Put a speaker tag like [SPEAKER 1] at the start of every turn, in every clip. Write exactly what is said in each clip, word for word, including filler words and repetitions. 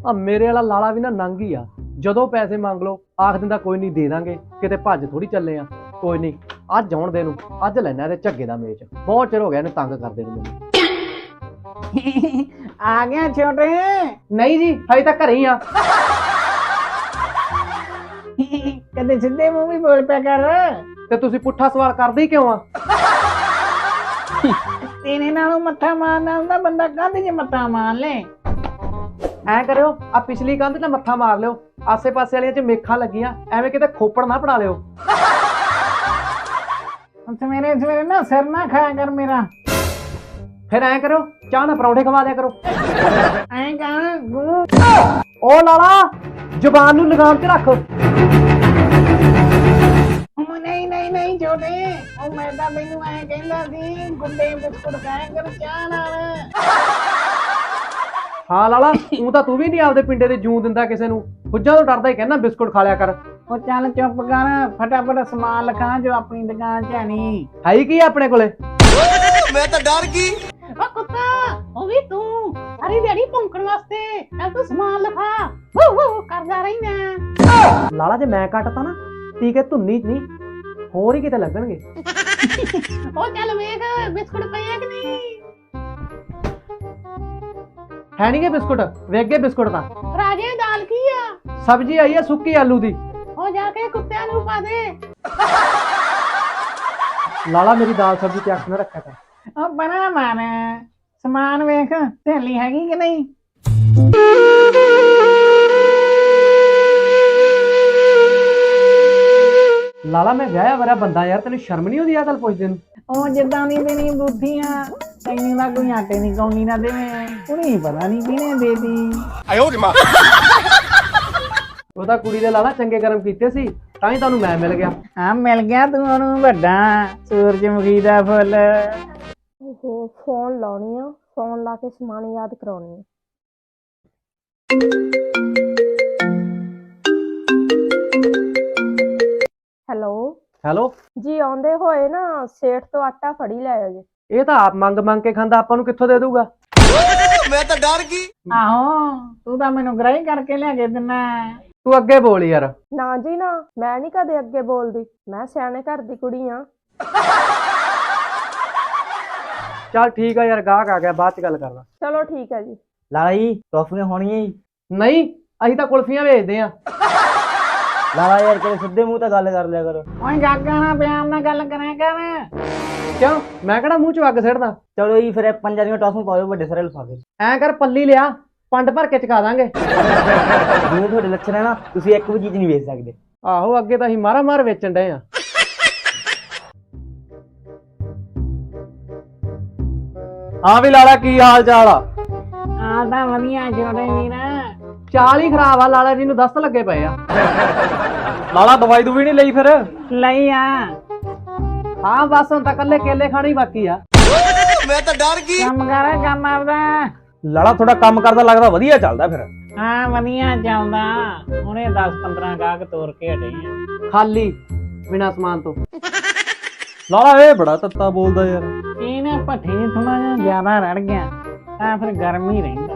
[SPEAKER 1] ਆ ਮੇਰੇ ਵਾਲਾ ਲਾਲਾ ਵੀ ਨਾ ਨੰਗ ਹੀ ਆ। ਜਦੋਂ ਪੈਸੇ ਮੰਗ ਲਓ ਆਖ ਦਿੰਦਾ ਕੋਈ ਨਹੀਂ ਦੇ ਦਾਂਗੇ, ਕਿਤੇ ਭੱਜ ਥੋੜੀ ਚੱਲੇ ਆ। ਕੋਈ ਨਹੀਂ ਅੱਜ ਆਉਣ ਦੇ ਨੂੰ, ਅੱਜ ਲੈਣਾ ਇਹਦੇ ਝੱਗੇ ਦਾ ਮੇਚ। ਬਹੁਤ ਚਿਰ ਹੋ ਗਿਆ ਇਹਨੇ ਤੰਗ ਕਰਦੇ ਨੂੰ ਮੈਨੂੰ।
[SPEAKER 2] ਆ ਗਿਆ ਛੋਟੇ?
[SPEAKER 1] ਨਹੀਂ ਜੀ ਹਜੇ ਤਾਂ ਘਰੇ ਹੀ ਆ।
[SPEAKER 2] ਕਦੇ ਸਿੱਧੇ ਮੂੰਹ ਵੀ ਬੋਲ ਪਿਆ ਕਰ।
[SPEAKER 1] ਤੇ ਤੁਸੀਂ ਪੁੱਠਾ ਸਵਾਲ ਕਰਦੇ ਹੀ ਕਿਉਂ ਆ?
[SPEAKER 2] ਤੇਰੇ ਨਾਲੋਂ ਮੱਥਾ ਮਾਰਨਾ ਹੁੰਦਾ ਬੰਦਾ, ਕੰਧ 'ਚ ਮੱਥਾ ਮਾਰ ਲੈ।
[SPEAKER 1] ਐ ਕਰਿਓ ਆ ਪਿਛਲੀ ਕੰਧ ਤੇ ਮੱਥਾ ਮਾਰ ਲਿਓ, ਆਸੇ ਪਾਸੇ ਵਾਲੀਆਂ 'ਚ ਮੇਖਾਂ ਲੱਗੀਆਂ, ਐਵੇਂ ਕਿਤੇ ਖੋਪੜ ਨਾ ਪੜਾ ਲਿਓ।
[SPEAKER 2] ਸਵੇਰੇ ਸਵੇਰੇ ਨਾ ਸਿਰ ਨਾ ਖਾਇਆ ਕਰ ਮੇਰਾ।
[SPEAKER 1] ਫਿਰ ਐ ਕਰੋ ਚਾਹ ਨਾ ਪਰੌਂਠੇ ਖਵਾ ਦਿਆ ਕਰੋ।
[SPEAKER 2] ਐਂ ਕਹਾਂ ਗੁਰੂ
[SPEAKER 1] ਓ ਲਾਲਾ ਜ਼ੁਬਾਨ ਨੂੰ ਲਗਾਮ 'ਚ ਰੱਖ।
[SPEAKER 2] ਉਹ ਨਹੀਂ ਨਹੀਂ ਨਹੀਂ ਛੋਟੇ, ਉਹ ਮੈਂ ਤਾਂ ਮੈਨੂੰ ਐਂ ਕਹਿੰਦਾ ਸੀ ਗੁੱਡੇ ਬਿਸਕੁਟ ਖਾਇਆ ਕਰ ਚਾਹ ਨਾਲ।
[SPEAKER 1] ਹਾਂ ਲਾਲਾ ਤੂੰ ਤਾਂ ਤੂੰ ਵੀ ਨਹੀਂ ਆਪਦੇ ਪਿੰਡੇ ਦੇ ਜੂੰ ਦਿੰਦਾ ਕਿਸੇ ਨੂੰ, ਹੁੱਜਾਂ ਤੋਂ ਡਰਦਾ ਹੀ ਕਹਿੰਦਾ ਬਿਸਕੁਟ ਖਾ ਲਿਆ ਕਰ।
[SPEAKER 2] ਉਹ ਚੱਲ ਚੁੱਪ ਕਰ, ਫਟਾਫਟ ਸਮਾਨ ਲਿਖਾ ਜੋ ਆਪਣੀ ਦੁਕਾਨ 'ਚ ਹੈ ਨਹੀਂ।
[SPEAKER 1] ਹੈ ਹੀ ਕੀ ਆਪਣੇ ਕੋਲੇ?
[SPEAKER 3] ਮੈਂ ਤਾਂ ਡਰ ਗਈ।
[SPEAKER 2] ਉਹ ਕੁੱਤਾ, ਉਹ ਵੀ ਤੂੰ ਸਾਰੀ ਦਿਹਾੜੀ ਭੌਂਕਣ ਵਾਸਤੇ ਚੱਲ ਤੂੰ ਸਮਾਨ ਲਿਖਾ। ਵੂ ਵੂ ਕਰਦਾ ਰਹਿਣਾ।
[SPEAKER 1] ਲਾਲਾ ਜੇ ਮੈਂ ਕੱਟਤਾ ਨਾ ਟੀਕੇ ਧੁੰਨੀ ਚ ਨਹੀਂ ਹੋਰ ਹੀ ਕਿਤੇ ਲੱਗਣਗੇ।
[SPEAKER 2] ਉਹ ਚੱਲ ਵੇਖ ਬਿਸਕੁਟ ਪਏ ਆ ਕਿ ਨਹੀਂ।
[SPEAKER 1] ਹੈ ਨੀ ਗੇ ਬਿਸਕੁਟ, ਵੇਖ ਗਏ ਬਿਸਕੁਟ ਤਾਂ।
[SPEAKER 2] ਰਾਜੇ ਦਾਲ ਕੀ ਆ?
[SPEAKER 1] ਸਬਜ਼ੀ ਆਈ ਆ ਸੁੱਕੀ ਆਲੂ ਦੀ।
[SPEAKER 2] ਉਹ ਜਾ ਕੇ ਕੁੱਤਿਆਂ ਨੂੰ ਪਾ ਦੇ।
[SPEAKER 1] ਲਾਲਾ ਮੇਰੀ ਦਾਲ ਸਬਜ਼ੀ ਤੇ ਅੱਖ ਨਾ ਰੱਖਿਆ ਕਰ।
[SPEAKER 2] ਉਹ ਬਣਾ ਮਾਰ ਸਮਾਨ ਵੇਖ ਸਹੇਲੀ ਹੈਗੀ ਕਿ ਨਹੀਂ।
[SPEAKER 1] ਲਾਲਾ ਮੈਂ ਵਿਆਹਿਆ ਵਰਾ ਬੰਦਾ ਯਾਰ, ਤੈਨੂੰ ਸ਼ਰਮ ਨਹੀਂ ਆਉਂਦੀ ਆ ਗੱਲ ਪੁੱਛਦੇ ਨੂੰ?
[SPEAKER 2] ਉਹ ਜਿੱਦਾਂ ਦੀ ਤੇਰੀ ਬੁੱਧੀਆਂ ਤੈਨੂੰ ਦਾ ਕੋਈ ਆਟੇ ਨਹੀਂ ਕੌਣੀ ਨਾ ਦੇਵੇ, ਕੁੜੀ ਪਤਾ ਨਹੀਂ ਕਿਹਨੇ ਦੇਦੀ।
[SPEAKER 3] ਆਇਓ ਰੇ ਮਾਂ।
[SPEAKER 1] ਉਹ ਤਾਂ ਕੁੜੀ ਦੇ ਲਾਲਾ ਚੰਗੇ ਕਰਮ ਕੀਤੇ ਸੀ ਤਾਂ ਹੀ ਤੁਹਾਨੂੰ ਮੈਂ ਮਿਲ ਗਿਆ।
[SPEAKER 2] ਹਾਂ ਮਿਲ ਗਿਆ ਤੂੰ ਉਹਨੂੰ ਵੱਡਾ ਸੂਰਜਮੁਖੀ ਦਾ ਫੁੱਲ।
[SPEAKER 4] ਉਹ ਫੋਨ ਲਾਉਣੀ ਆ, ਫੋਨ ਲਾ ਕੇ ਸਮਾਨ ਯਾਦ ਕਰਾਉਣੀ ਆ। ਹੈਲੋ
[SPEAKER 1] ਹੈਲੋ
[SPEAKER 4] ਜੀ, ਆਉਂਦੇ ਹੋਏ ਨਾ ਸੇਠ ਤੋਂ ਆਟਾ ਫੜੀ ਲੈ ਆਇਓ ਜੀ।
[SPEAKER 1] ਇਹ ਤਾਂ ਆਪ ਮੰਗ ਮੰਗ ਕੇ ਖਾਂਦਾ, ਆਪਾਂ ਨੂੰ ਕਿੱਥੋਂ ਦੇ ਦੂਗਾ?
[SPEAKER 3] ਮੈਂ ਤਾਂ ਡਰ ਗਈ।
[SPEAKER 2] ਆਹੋ ਤੂੰ ਤਾਂ ਮੈਨੂੰ ਗ੍ਰਾਈ ਕਰਕੇ ਲਿਆ ਕੇ ਦਿੰਦਾ।
[SPEAKER 1] ਤੂੰ ਅੱਗੇ ਬੋਲ ਯਾਰ।
[SPEAKER 4] ਨਾ ਜੀ ਨਾ, ਮੈਂ ਨਹੀਂ ਕਦੇ ਅੱਗੇ ਬੋਲਦੀ, ਮੈਂ ਸਿਆਣੇ ਘਰ ਦੀ ਕੁੜੀ ਆ।
[SPEAKER 1] ਚੱਲ ਠੀਕ ਆ ਯਾਰ, ਗਾਹਕ ਆ ਗਿਆ, ਬਾਅਦ ਚ ਗੱਲ ਕਰਦਾ।
[SPEAKER 4] ਚਲੋ ਠੀਕ ਹੈ ਜੀ।
[SPEAKER 5] ਲਾਲਾ ਜੀ ਟੌਫੀਆਂ ਹੋਣੀਆਂ ਜੀ?
[SPEAKER 1] ਨਹੀਂ ਅਸੀਂ ਤਾਂ ਕੁਲਫੀਆਂ ਵੇਚਦੇ ਆ।
[SPEAKER 5] ਲਾਲਾ ਯਾਰ ਕਦੇ ਸਿੱਧੇ ਮੂੰਹ ਤਾਂ ਗੱਲ ਕਰ ਲਿਆ ਕਰੋ।
[SPEAKER 2] ਓਏ ਗਾਗਾ ਨਾਲ ਪਿਆਰ ਨਾਲ ਗੱਲ ਕਰਿਆ ਕਰ।
[SPEAKER 1] ਕਿਉਂ ਮੈਂ ਕਿਹੜਾ ਮੂੰਹ ਚ ਅੱਗ ਸਿੱਟਦਾ?
[SPEAKER 5] ਚਲੋ ਜੀ ਫਿਰ ਪੰਜਾਂ ਦੀਆਂ ਟੌਫੀਆਂ ਪਾਓ ਵੱਡੇ ਸਾਰੇ ਲਿਫਾਫੇ।
[SPEAKER 1] ਐਂ ਕਰ ਪੱਲੀ ਲਿਆ, ਪੰਡ ਭਰ ਕੇ ਚਕਾ ਦਾਂਗੇ।
[SPEAKER 5] ਜਿਵੇਂ ਤੁਹਾਡੇ ਲੱਛਣ ਹੈ ਨਾ, ਤੁਸੀਂ ਇੱਕ ਵੀ ਚੀਜ਼ ਨਹੀਂ ਵੇਚ ਸਕਦੇ।
[SPEAKER 1] ਆਹੋ ਅੱਗੇ ਤਾਂ ਅਸੀਂ ਮਾਰਾ ਮਾਰ ਵੇਚਣ ਡਏ ਆ। ਹਾਂ ਵੀ ਲਾਲਾ ਕੀ ਹਾਲ ਚਾਲ ਆ?
[SPEAKER 2] ਆ ਤਾਂ ਵਧੀਆ ਛੋਟੇ ਵੀਰਾ।
[SPEAKER 1] ਚਾਲ ਹੀ ਖਰਾਬ ਆ, ਲਾਲਾ ਜੀ ਨੂੰ ਦਸਤ ਲੱਗੇ ਪਏ ਆ। ਲਾਲਾ ਦਵਾਈ ਦੂਵੀ ਨਹੀਂ ਲਈ ਫਿਰ?
[SPEAKER 2] ਲਈ ਆ।
[SPEAKER 1] ਹਾਂ ਬਸ ਹੁਣ ਤਾਂ ਕੱਲੇ ਕੇਲੇ ਖਾਣੇ ਹੀ ਬਾਕੀ ਆ।
[SPEAKER 3] ਮੈਂ ਤਾਂ ਡਰ ਗਈ।
[SPEAKER 2] ਕੰਮ ਕਰ ਕੰਮ ਆਪਦਾ।
[SPEAKER 1] ਲਾਲਾ ਥੋੜਾ ਕੰਮ ਕਰਦਾ ਲੱਗਦਾ ਵਧੀਆ ਚੱਲਦਾ ਫਿਰ।
[SPEAKER 2] ਹਾਂ ਵਧੀਆ ਚੱਲਦਾ, ਹੁਣੇ ਦਸ ਪੰਦਰਾਂ ਗਾਹਕ ਤੋਰ ਕੇ ਹਟੇ ਆ।
[SPEAKER 1] ਖਾਲੀ ਬਿਨਾ ਸਮਾਨ ਤੋਂ। ਲਾਲਾ ਇਹ ਬੜਾ ਤੱਤਾ ਬੋਲਦਾ ਯਾਰ।
[SPEAKER 2] ਇਹ ਨਾ ਭੱਠੇ ਥੋੜਾ ਜਿਹਾ ਜ਼ਿਆਦਾ ਰੜ ਗਿਆ ਤਾਂ ਫਿਰ ਗਰਮ ਹੀ ਰਹਿੰਦਾ।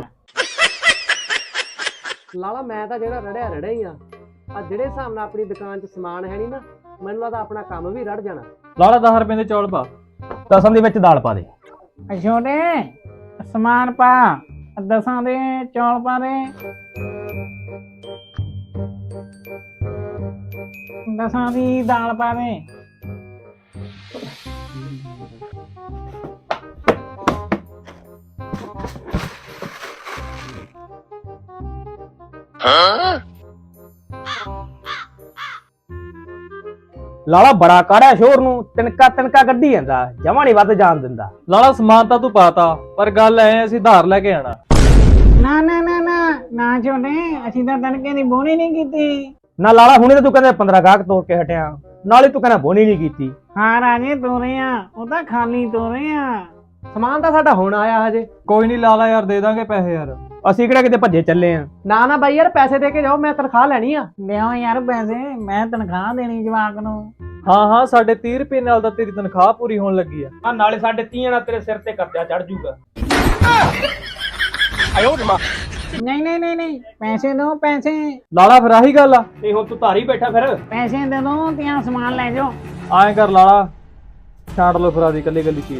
[SPEAKER 1] ਲਾਲਾ ਮੈਂ ਤਾਂ ਜਿਹੜਾ ਰੜਿਆ ਰੜਿਆ ਹੀ ਆ। ਆ ਜਿਹੜੇ ਹਿਸਾਬ ਨਾਲ ਆਪਣੀ ਦੁਕਾਨ 'ਚ ਸਮਾਨ ਹੈ ਨਹੀਂ ਨਾ, ਮੈਨੂੰ ਲੱਗਦਾ ਆਪਣਾ ਕੰਮ ਵੀ ਰੜ ਜਾਣਾ। ਲਾਲਾ ਦਸ ਰੁਪਏ ਦੇ ਚੌਲ ਪਾ, ਦਸਾਂ ਦੇ ਵਿੱਚ ਦਾਲ ਪਾ ਦੇ।
[SPEAKER 2] ਛੋਟੇ ਸਮਾਨ ਪਾ, ਦਸਾਂ ਦੇ ਚੌਲ ਪਾ ਦੇ, ਦਸਾਂ ਦੀ ਦਾਲ ਪਾ ਦੇ।
[SPEAKER 5] ਲਾਲਾ ਬੜਾ ਕਾੜਿਆ ਸ਼ੋਰ ਨੂੰ, ਤਿਨਕਾ ਤਿਨਕਾ ਕੱਢੀ ਜਾਂਦਾ, ਜਮਾ ਨਹੀਂ ਵੱਧ ਜਾਣ ਦਿੰਦਾ।
[SPEAKER 1] ਲਾਲਾ ਸਮਾਨ ਤਾਂ ਤੂੰ ਪਾਤਾ, ਪਰ ਗੱਲ ਐ ਅਸੀਂ ਧਾਰ ਲੈ ਕੇ ਆਣਾ।
[SPEAKER 2] ਨਾ ਨਾ ਨਾ ਨਾ ਨਾ ਛੋਟੇ, ਅਸੀਂ ਤਾਂ ਤੜਕੇ ਦੀ ਬੋਣੀ ਨਹੀਂ ਕੀਤੀ।
[SPEAKER 5] ਨਾ ਲਾਲਾ ਹੁਣੇ ਤਾਂ ਤੂੰ ਕਹਿੰਦਾ ਪੰਦਰਾਂ ਗਾਹਕ ਤੋੜ ਕੇ ਹਟਿਆ, ਨਾਲੇ ਤੂੰ ਕਹਿੰਦਾ ਬੋਣੀ ਨਹੀਂ ਕੀਤੀ।
[SPEAKER 2] ਹਾਂ ਰਾਜੇ ਤੋਰੇ ਆ, ਉਹ ਤਾਂ ਖਾਲੀ ਤੋਰੇ ਆ।
[SPEAKER 1] ਸਮਾਨ ਤਾਂ ਸਾਡਾ ਹੁਣ ਆਇਆ ਹਜੇ। ਕੋਈ ਨਹੀਂ ਲਾਲਾ ਯਾਰ, ਦੇ ਦਾਂਗੇ ਪੈਸੇ ਯਾਰ।
[SPEAKER 5] ਅਸੀਂ ਕਿਹੜਾ ਕਿਤੇ ਭੱਜੇ ਚੱਲੇ ਆ।
[SPEAKER 1] ਨਾ ਨਾ ਬਾਈ ਯਾਰ, ਪੈਸੇ ਦੇ ਕੇ ਜਾਓ, ਮੈਂ ਤਨਖਾਹ ਲੈਣੀ ਆ।
[SPEAKER 2] ਲਿਆਓ ਯਾਰ ਪੈਸੇ, ਮੈਂ ਤਨਖਾਹ ਦੇਣੀ ਜਵਾਕ ਨੂੰ।
[SPEAKER 1] ਹਾਂ ਹਾਂ ਸਾਡੇ ਤੀਹ ਰੁਪਏ ਨਾਲ ਤਾਂ ਤੇਰੀ ਤਨਖਾਹ ਪੂਰੀ ਹੋਣ ਲੱਗੀ ਆ।
[SPEAKER 5] ਆ ਨਾਲੇ ਸਾਡੇ ਤੀਆਂ ਨਾਲ ਤੇਰੇ ਸਿਰ ਤੇ ਕਰਜ਼ਾ ਚੜ ਜੂਗਾ।
[SPEAKER 3] ਆਇਓ ਰੇ ਮਾਂ।
[SPEAKER 2] ਨਹੀਂ ਨਹੀਂ ਨਹੀਂ ਨਹੀਂ ਪੈਸੇ ਦੋ ਪੈਸੇ
[SPEAKER 5] ਲਾਲਾ ਫਿਰ ਆਹੀ ਗੱਲ ਆ ਤੇ ਹੁਣ ਤੂੰ ਧਾਰੀ ਬੈਠਾ ਫਿਰ
[SPEAKER 2] ਪੈਸੇ ਦੇ ਦੋ ਤੇ ਆ ਸਮਾਨ ਲੈ ਜਾਓ
[SPEAKER 5] ਐਂ ਕਰ ਲਾਲਾ ਛਾਂਟ ਲੋ ਫਿਰ ਆਦੀ ਕੱਲੀ ਕੱਲੀ ਚੀਜ਼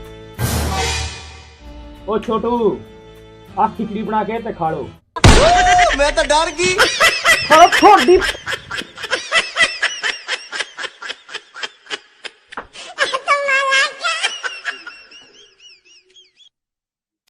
[SPEAKER 5] ਉਹ ਛੋਟੂ ਆ ਖਿਚੜੀ ਬਣਾ ਕੇ ਤੇ ਖਾ ਲੋ
[SPEAKER 3] मैं तो डर गई
[SPEAKER 2] ਤੁਹਾਡੀ